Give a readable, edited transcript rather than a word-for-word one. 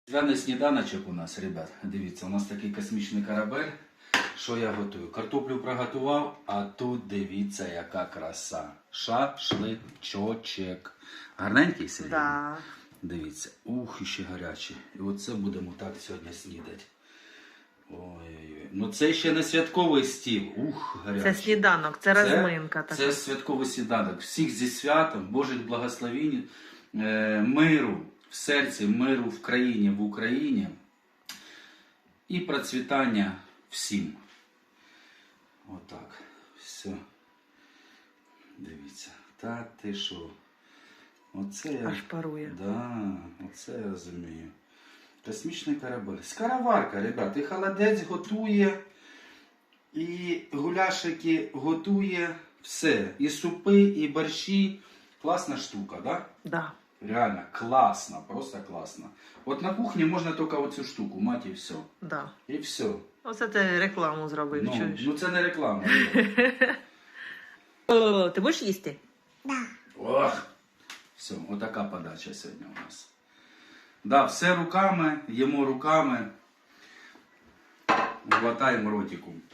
Звяний сніданочок у нас, ребят. Дивіться, у нас такий космічний корабель. Що я готую? Картоплю приготував, а тут дивіться, яка краса. Шашличочек. Гарненький сьогодні? Да. Дивіться. Ух, і ще гарячий. І оце будемо так сьогодні снідати. Ой-ой-ой. Ну це ще не святковий стіл. Ух, гарячий. Це сніданок, це розминка така. Це святковий сніданок. Всіх зі святом, Божих благословінь, миру в серці, миру в країні, в Україні і процвітання всім. Отак. Все. Дивіться. Та ти що? Оце я... Аж парує. Да, оце я розумію. Космічний корабель. Скороварка, ребят. І холодець готує, і гуляшики готує. Все. І супи, і борщі. Класна штука, да? Да. Реально классно, просто классно. От на кухні можна тільки оцю штуку мати і все. Да. І все. Оце ти рекламу зробив, чуєш? Ну це не реклама. О, ти будеш їсти? Ох. Все, отака подача сьогодні у нас. Да, все руками, їмо руками, глотаємо ротиком.